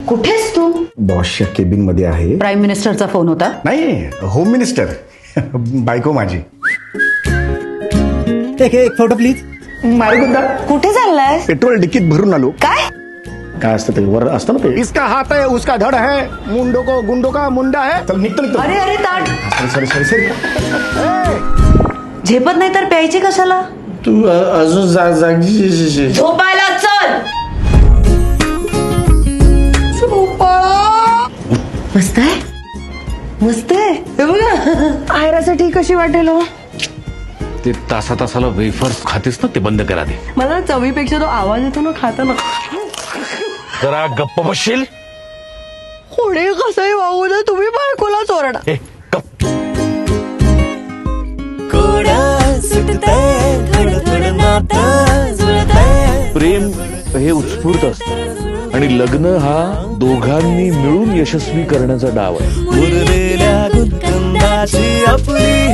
कुठेस तू? बॉसच्या केबिन मध्ये आहे. प्राईम मिनिस्टरचा फोन होता. नाही, होम मिनिस्टर. बायको माझी. एक फोटो प्लीज. मारगुंदा. कुठे चाललाय? पेट्रोल डिकीत भरून आलो. काय असतं ते वर असतं ना ते. इसका हात आहे उसका धड आहे मुंडो को गुंडो का मुंडा है. चल निघतो. अरे अरे ताट. सॉरी. झेपत नाही तर प्यायची कशाला? तू अजून जागी झोपायला चल. मस्त आहे हे बघा. आयरासाठी कशी वाटेल हो? ते तासाला वेफर्स खातेस ना, ते बंद करा. दे मला चवीपेक्षा तो आवाज येतो ना खाताना. जरा गप्प बसशील. कोणी कसंही वागू दे, तुम्ही बायकोला चोरडा. ए, गप्प. प्रेम हे उत्स्फूर्त असतं आणि लग्न हा दोघांनी मिळून यशस्वी करण्याचा डाव आहे. उरलेल्या गुलकंदाची आपली